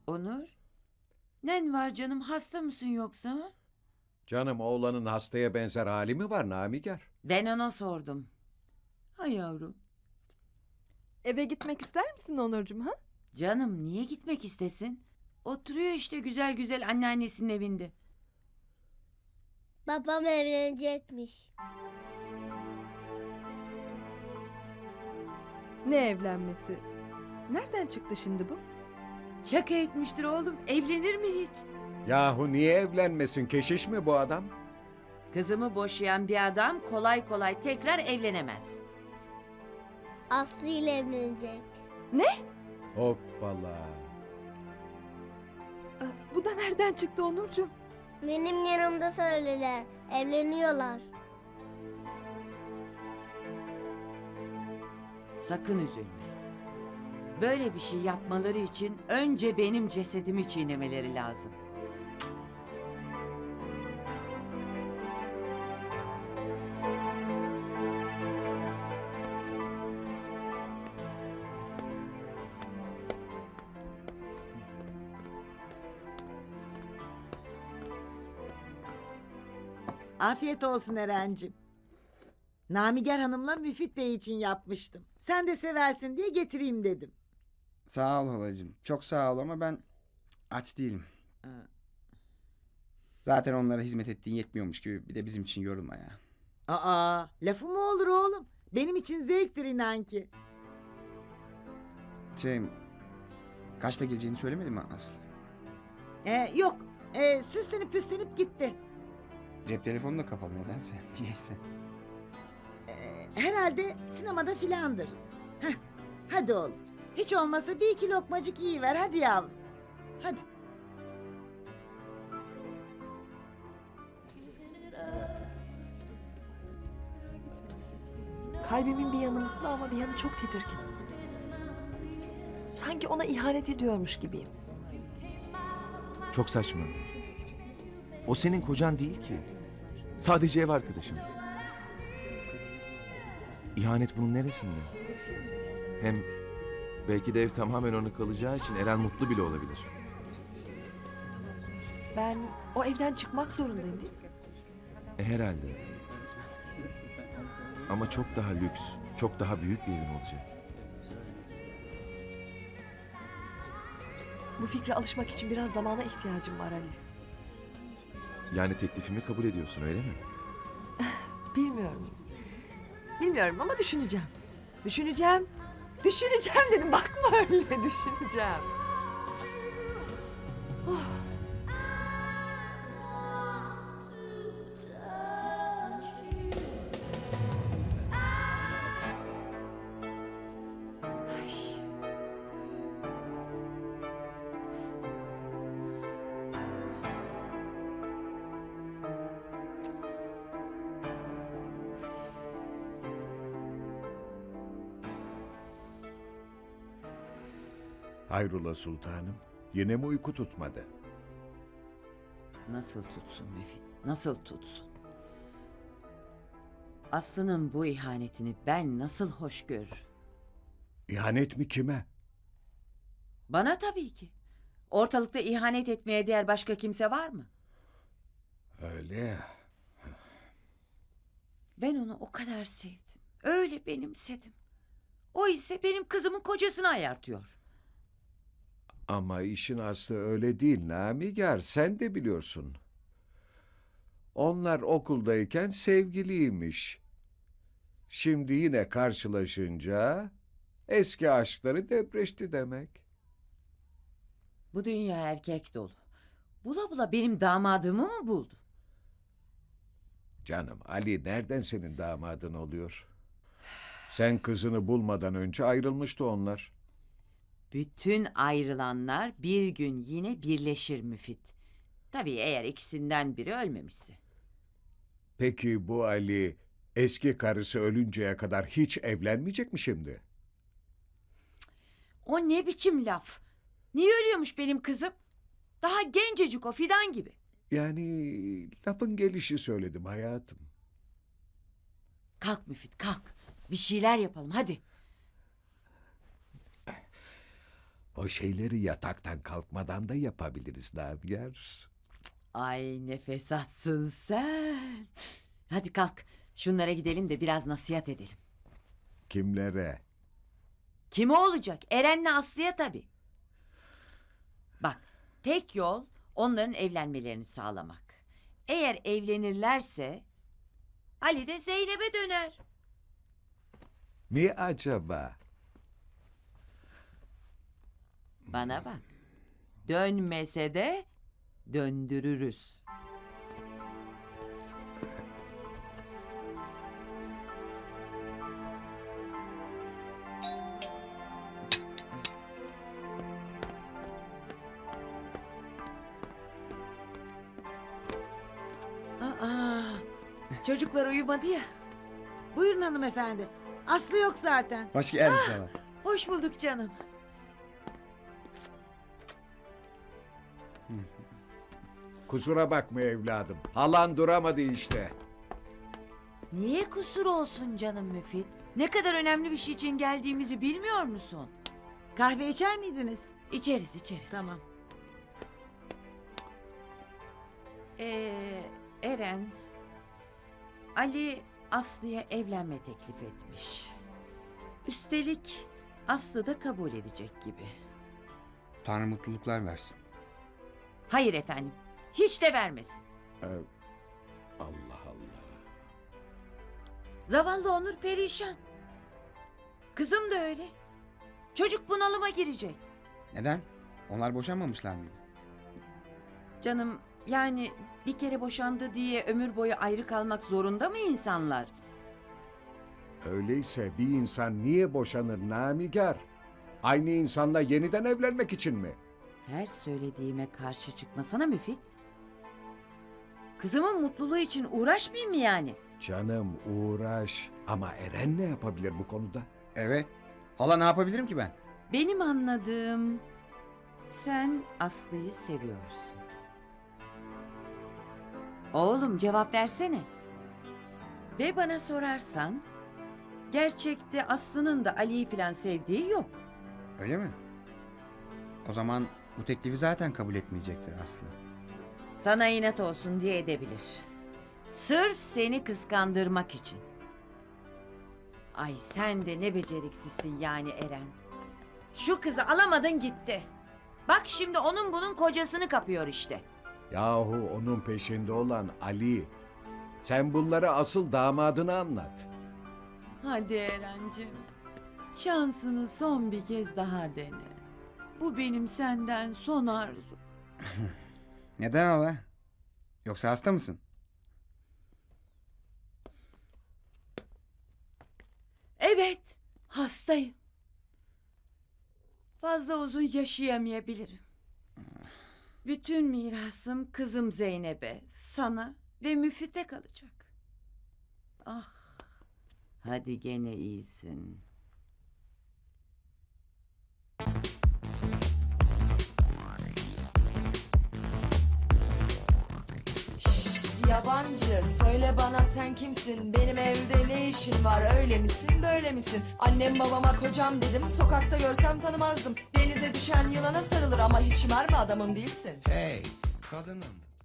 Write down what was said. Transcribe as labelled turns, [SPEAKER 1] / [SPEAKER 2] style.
[SPEAKER 1] Onur, nen var canım, hasta mısın yoksa?
[SPEAKER 2] Canım oğlanın hastaya benzer hali mi var Namiger?
[SPEAKER 1] Ben ona sordum. Hay yavrum.
[SPEAKER 3] Eve gitmek ister misin Onurcuğum ha?
[SPEAKER 1] Canım niye gitmek istesin? Oturuyor işte güzel güzel anneannesinin evinde.
[SPEAKER 4] Babam evlenecekmiş.
[SPEAKER 3] Ne evlenmesi? Nereden çıktı şimdi bu?
[SPEAKER 1] Şaka etmiştir oğlum, evlenir mi hiç?
[SPEAKER 2] Yahu niye evlenmesin? Keşiş mi bu adam?
[SPEAKER 1] Kızımı boşayan bir adam kolay kolay tekrar evlenemez.
[SPEAKER 4] Aslı ile evlenecek.
[SPEAKER 2] Hoppala.
[SPEAKER 3] Bu da nereden çıktı Onurcuğum?
[SPEAKER 4] Benim yanımda söylediler. Evleniyorlar.
[SPEAKER 1] Sakın üzülme. Böyle bir şey yapmaları için önce benim cesedimi çiğnemeleri lazım.
[SPEAKER 5] Afiyet olsun Eren'cim. Namiger Hanım'la Müfit Bey için yapmıştım. Sen de seversin diye getireyim dedim.
[SPEAKER 6] Sağ ol halacığım. Çok sağ ol ama ben aç değilim. Zaten onlara hizmet ettiğin yetmiyormuş gibi bir de bizim için yorulma ya.
[SPEAKER 5] Aa, lafı mı olur oğlum? Benim için zevktir inan ki.
[SPEAKER 6] Kaçta geleceğini söylemedi mi Aslı?
[SPEAKER 5] Yok, süslenip püslenip gitti.
[SPEAKER 6] Cep telefonu da kapalı nedense. Niyeyse.
[SPEAKER 5] Herhalde sinemada filandır. Heh, hadi oğlum. Hiç olmasa bir iki lokmacık yiyiver hadi yavrum. Hadi.
[SPEAKER 3] Kalbimin bir yanı mutlu ama bir yanı çok tedirgin. Sanki ona ihanet ediyormuş gibiyim.
[SPEAKER 7] Çok saçma. O senin kocan değil ki. Sadece ev arkadaşın. İhanet bunun neresinde? Hem belki de ev tamamen ona kalacağı için Eren mutlu bile olabilir.
[SPEAKER 3] Ben o evden çıkmak zorundayım değil mi?
[SPEAKER 7] Herhalde. Ama çok daha lüks, çok daha büyük bir evin olacak.
[SPEAKER 3] Bu fikre alışmak için biraz zamana ihtiyacım var Ali.
[SPEAKER 7] Yani teklifimi kabul ediyorsun öyle mi?
[SPEAKER 3] Bilmiyorum. Bilmiyorum ama düşüneceğim. Düşüneceğim. Düşüneceğim dedim. Bakma öyle düşüneceğim.
[SPEAKER 2] Hayrola sultanım? Yine mi uyku tutmadı?
[SPEAKER 1] Nasıl tutsun Müfit, nasıl tutsun? Aslı'nın bu ihanetini ben nasıl hoş görürüm?
[SPEAKER 2] İhanet mi kime?
[SPEAKER 1] Bana tabii ki. Ortalıkta ihanet etmeye değer başka kimse var mı?
[SPEAKER 2] Öyle ya.
[SPEAKER 1] Ben onu o kadar sevdim. Öyle benimsedim. O ise benim kızımın kocasını ayartıyor.
[SPEAKER 2] Ama işin aslı öyle değil Namiger, sen de biliyorsun. Onlar okuldayken sevgiliymiş. Şimdi yine karşılaşınca eski aşkları depreşti demek.
[SPEAKER 1] Bu dünya erkek dolu. Bula bula benim damadımı mı buldu?
[SPEAKER 2] Canım Ali nereden senin damadın oluyor? Sen kızını bulmadan önce ayrılmıştı onlar.
[SPEAKER 1] Bütün ayrılanlar bir gün yine birleşir Müfit. Tabii eğer ikisinden biri ölmemişse.
[SPEAKER 2] Peki bu Ali eski karısı ölünceye kadar hiç evlenmeyecek mi şimdi?
[SPEAKER 1] O ne biçim laf? Niye ölüyormuş benim kızım? Daha gencecik o fidan gibi.
[SPEAKER 2] Yani lafın gelişi söyledim hayatım.
[SPEAKER 1] Kalk Müfit kalk. Bir şeyler yapalım hadi.
[SPEAKER 2] O şeyleri yataktan kalkmadan da yapabiliriz Navigar.
[SPEAKER 1] Ay ne fesatsın sen. Hadi kalk. Şunlara gidelim de biraz nasihat edelim.
[SPEAKER 2] Kimlere?
[SPEAKER 1] Kime olacak? Eren'le Aslı'ya tabii. Bak, tek yol onların evlenmelerini sağlamak. Eğer evlenirlerse Ali de Zeynep'e döner.
[SPEAKER 2] Mi acaba?
[SPEAKER 1] Bana bak. Dönmese de döndürürüz. Aa, çocuklar uyumadı ya.
[SPEAKER 5] Buyurun hanımefendi. Aslı yok zaten.
[SPEAKER 6] Hoş geldin sana.
[SPEAKER 1] Hoş bulduk canım.
[SPEAKER 2] Kusura bakma evladım. Halan duramadı işte.
[SPEAKER 1] Niye kusur olsun canım Müfit? Ne kadar önemli bir şey için geldiğimizi bilmiyor musun?
[SPEAKER 5] Kahve içer miydiniz?
[SPEAKER 1] İçeriz içeriz.
[SPEAKER 5] Tamam.
[SPEAKER 1] Eren, Ali Aslı'ya evlenme teklif etmiş. Üstelik Aslı da kabul edecek gibi.
[SPEAKER 6] Tanrı mutluluklar versin.
[SPEAKER 1] Hayır efendim, hiç de vermesin.
[SPEAKER 2] Allah Allah.
[SPEAKER 1] Zavallı Onur perişan. Kızım da öyle. Çocuk bunalıma girecek.
[SPEAKER 6] Neden? Onlar boşanmamışlar mıydı?
[SPEAKER 1] Canım yani bir kere boşandı diye ömür boyu ayrı kalmak zorunda mı insanlar?
[SPEAKER 2] Öyleyse bir insan niye boşanır Namigar? Aynı insanla yeniden evlenmek için mi?
[SPEAKER 1] Her söylediğime karşı çıkmasana Müfit. Kızımın mutluluğu için uğraşmayayım mı yani?
[SPEAKER 2] Canım uğraş. Ama Eren ne yapabilir bu konuda?
[SPEAKER 6] Evet. Hala ne yapabilirim ki ben?
[SPEAKER 1] Benim anladığım sen Aslı'yı seviyorsun. Oğlum cevap versene. Ve bana sorarsan gerçekte Aslı'nın da Ali'yi falan sevdiği yok.
[SPEAKER 6] Öyle mi? O zaman bu teklifi zaten kabul etmeyecektir Aslı.
[SPEAKER 1] Sana inat olsun diye edebilir. Sırf seni kıskandırmak için. Ay sen de ne beceriksizsin yani Eren. Şu kızı alamadın gitti. Bak şimdi onun bunun kocasını kapıyor işte.
[SPEAKER 2] Yahu onun peşinde olan Ali. Sen bunları asıl damadına anlat.
[SPEAKER 1] Hadi Erencim. Şansını son bir kez daha dene. Bu benim senden son arzum.
[SPEAKER 6] Neden hala? Yoksa hasta mısın?
[SPEAKER 1] Evet, hastayım. Fazla uzun yaşayamayabilirim. Bütün mirasım kızım Zeynep'e, sana ve Müfit'e kalacak. Ah, hadi gene iyisin.
[SPEAKER 8] Yabancı söyle bana sen kimsin, benim evde ne işin var, öyle misin böyle misin? Annem babama kocam dedim, sokakta görsem tanımazdım. Denize düşen yılana sarılır ama hiç mermi adamın değilsin.
[SPEAKER 6] Hey kadınım.